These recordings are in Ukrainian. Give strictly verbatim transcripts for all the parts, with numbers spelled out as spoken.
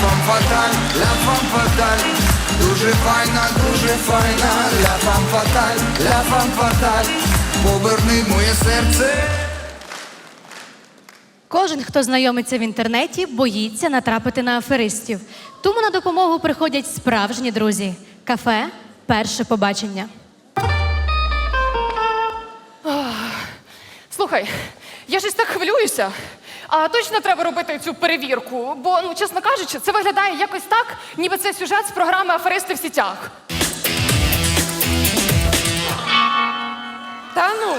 фам фаталь, ля фам фаталь. Дуже файна, дуже файна, ля фам фаталь, ля фам фаталь. Поверни моє серце. Кожен, хто знайомиться в інтернеті, боїться натрапити на аферистів. Тому на допомогу приходять справжні друзі. Кафе «Перше побачення». Слухай, я щось так хвилююся. А точно треба робити цю перевірку? Бо, ну, чесно кажучи, це виглядає якось так, ніби це сюжет з програми «Аферисти в сітях». Та ну.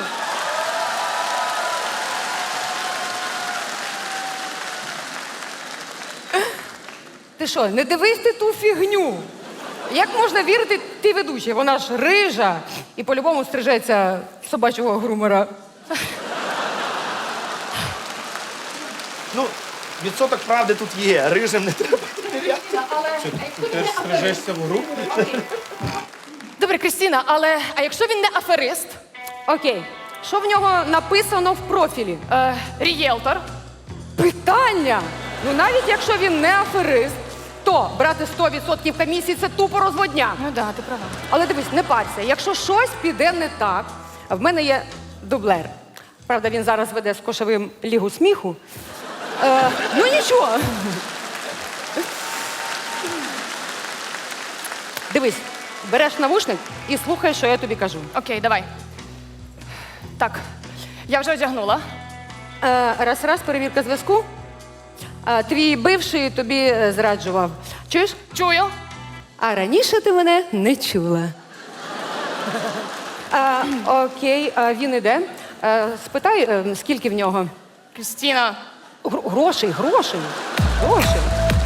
Ти що, не дивись ти ту фігню? Як можна вірити тій ведучій? Вона ж рижа і по-любому стрижеться собачого грумера. Ну, відсоток правди тут є, рижим не треба. Ти теж стрижешся в гру? Добре, Крістіна, але а якщо він не аферист? Окей, що в нього написано в профілі? Е, рієлтор. Питання! Ну навіть якщо він не аферист, то брати сто відсотків комісії – це тупо розводня. Ну да, ти права. Але дивись, не парся, якщо щось піде не так, в мене є дублер. Правда, він зараз веде з Кошовим лігу сміху. Е, ну нічого. Дивись, береш навушник і слухай, що я тобі кажу. Окей, давай. Так, я вже одягнула. Е, раз-раз, перевірка зв'язку. Е, твій бивший тобі е, зраджував. Чуєш? Чую. А раніше ти мене не чула. А, окей, а він іде. А, спитай, е, скільки в нього? Крістіна. Гр- грошей, грошей, грошей.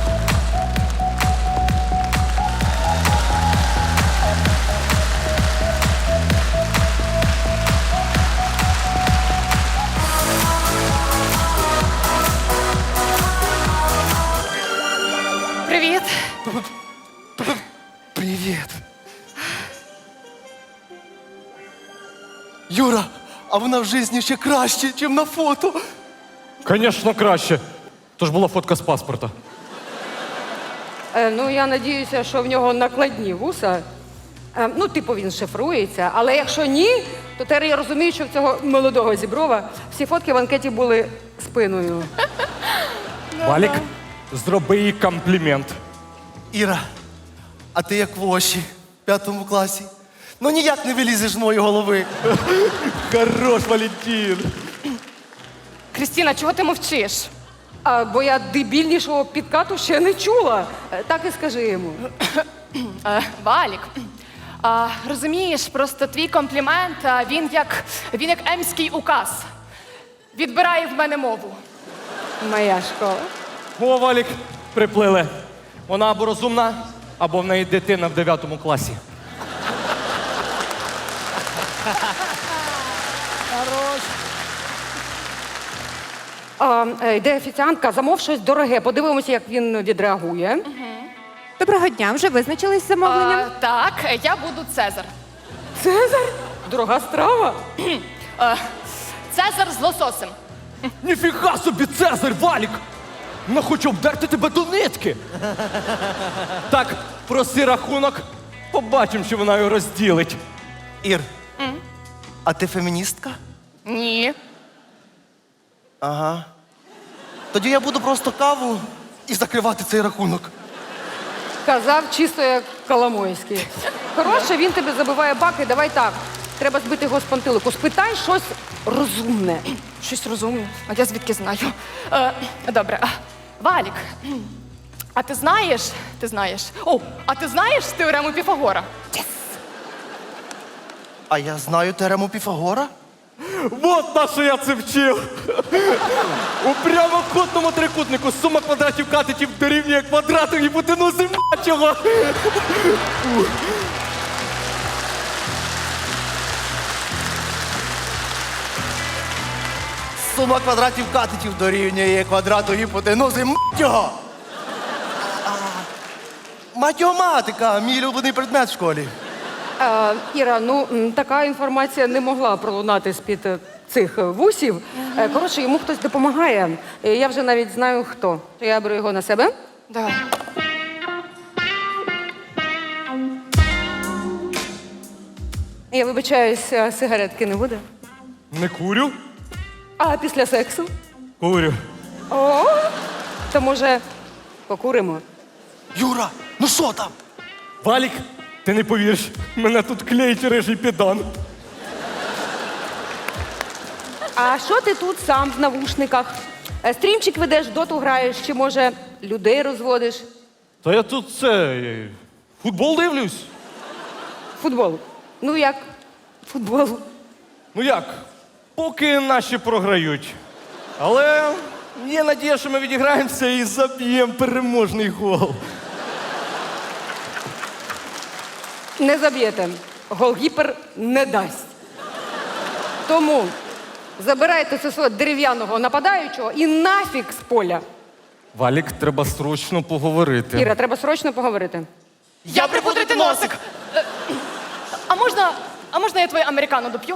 Привіт. Привіт. Юра, а вона в житті ще краще, ніж на фото. Звісно, краще. То ж була фотка з паспорта. Е, ну, я надіюся, що в нього накладні вуса. Е, ну, типу, він шифрується. Але якщо ні, то тепер я розумію, що в цього молодого Зіброва всі фотки в анкеті були спиною. Валік, зроби їй комплімент. Іра, а ти як в Оші, в п'ятому класі. Ну ніяк не вилізеш з моєї голови. Хорош, Валентин. Крістіна, чого ти мовчиш? А, бо я дебільнішого підкату ще не чула. Е, так і скажи йому. Е, Валік, а, розумієш, просто твій комплімент, а, він як, він як емський указ. Відбирає в мене мову. Моя школа. О, Валік, приплили. Вона або розумна, або в неї дитина в дев'ятому класі. А, е, йде офіціантка, замов щось дороге. Подивимося, як він відреагує. Доброго дня, вже визначились з замовленням? А, так, я буду Цезар. Цезар? Дорога страва. Е, Цезар з лососем. Ніфіга собі, Цезарь, Валік! Вона хоче обдерти тебе до нитки. Так, проси рахунок, побачимо, що вона його розділить. Ір, а ти феміністка? Ні. Ага. Тоді я буду просто каву і закривати цей рахунок. Казав чисто як Коломойський. Коротше, він тебе забиває баки, давай так. Треба збити його з пантелику. Спитай щось розумне. Щось розумію. А я звідки знаю? Е, добре. А, Валік, а ти знаєш, ти знаєш, о, а ти знаєш теорему Піфагора? А я знаю теорему Піфагора. Вот на що я це вчив. У прямокутному трикутнику сума квадратів катетів дорівнює квадрату гіпотенузи мачого. Сума квадратів катетів дорівнює квадрату гіпотенузи мать його. А, Математика, мій улюблений предмет в школі. Е, Іра, ну м, така інформація не могла пролунати з-під е, цих е, вусів. Е, Коротше, йому хтось допомагає. Е, Я вже навіть знаю хто. Я беру його на себе. Давай. Я вибачаюсь, а сигаретки не буде? Не курю? А після сексу? Курю. О, то може покуримо? Юра, ну що там? Валік, ти не повіриш, мене тут клеїть рижий підан. А що ти тут сам в навушниках? Е, Стрімчик ведеш, доту граєш, чи може людей розводиш? Та я тут це. е, Футбол дивлюсь. Футбол. Ну як? Футбол. Ну як? Поки наші програють. Але є надія, що ми відіграємося і заб'ємо переможний гол. Не заб'єте. Голгіпер не дасть. Тому забирайте це свого дерев'яного нападаючого і нафіг з поля. Валік, треба срочно поговорити. Іра, треба срочно поговорити. Я припудрити носик! Е, А можна, а можна я твоє американо доп'ю?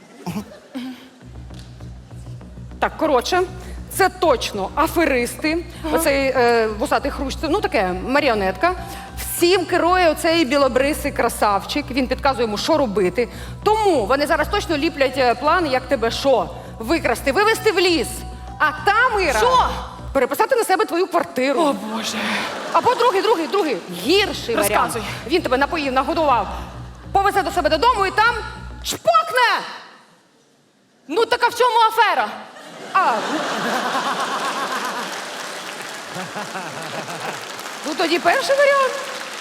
Так, коротше, це точно аферисти. Оцей е, вусатий хрущ, це, ну таке, маріонетка. Всім керує оцей білобрисий красавчик. Він підказує йому, що робити. Тому вони зараз точно ліплять е, план, як тебе що? Викрасти, вивезти в ліс. А там, Іра, Що? переписати на себе твою квартиру. О, Боже. Або другий, другий, другий, гірший варіант. Розказуй. Він тебе напоїв, нагодував, повезе до себе додому і там чпокне! Ну так а в чому афера? А, ну... ну тоді перший варіант.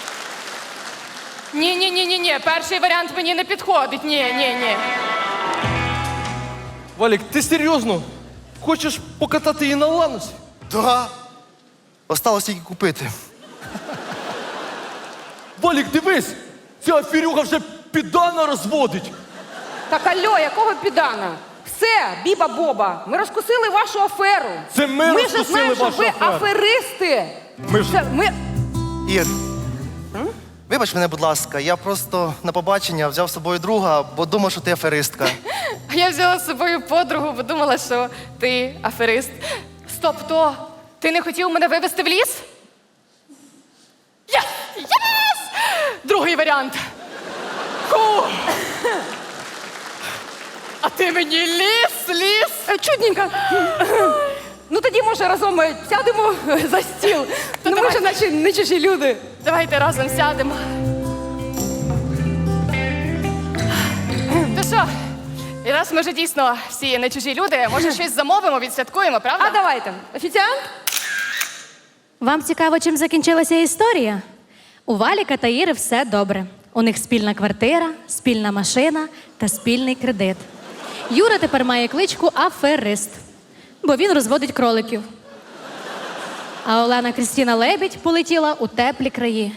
Ні, ні, ні, ні, ні. Перший варіант мені не підходить. Ні, ні, ні. Валік, ти серйозно? Хочеш покатати її на ланусі? Да. Осталось тільки купити. Валік, дивись! Ця аферюга вже підана розводить. Так алло, якого підана? Все, Біба Боба, ми розкусили вашу аферу. Це ми Ми ж розкусили знаємо, що вашу ви аферу. аферисти. Ми ж- Це, ми... Ір, вибач мене, будь ласка, я просто на побачення взяв з собою друга, бо думав, що ти аферистка. А я взяла з собою подругу, бо думала, що ти аферист. Стоп, то ти не хотів мене вивезти в ліс? Єс! Єс! Другий варіант. Ху! А ти мені ліс, ліс! Е, Чудненько. Ну тоді, може, разом е, сядемо за стіл. Ну, ми ж наче не чужі люди. Давайте разом сядемо. То що, і раз ми вже дійсно всі не чужі люди, може щось замовимо, відсвяткуємо, правда? А давайте. Офіціант? Вам цікаво, чим закінчилася історія? У Валіка та Іри все добре. У них спільна квартира, спільна машина та спільний кредит. Юра тепер має кличку Аферист, бо він розводить кроликів. А Олена Крістіна Лебідь полетіла у теплі краї.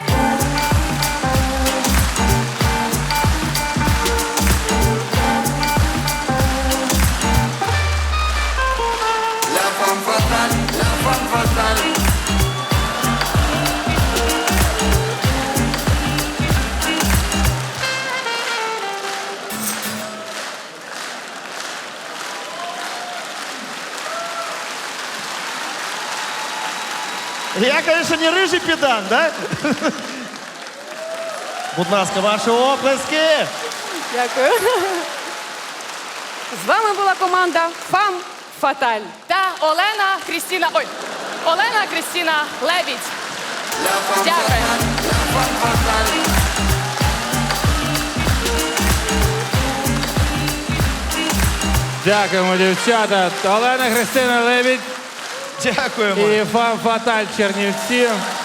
La femme fatale, la femme fatale. Я, конечно, не рижий підан, да? Будь ласка, ваші оплески. Дякую. З вами була команда Фам Фаталь. Та Олена Крістіна. Ой, Олена Крістіна Лебідь. La femme Дякую. fatale, la femme fatale. Дякуємо, дівчата. Олена Христина Лебідь Дякуємо. і Фам Фаталь Чернівці.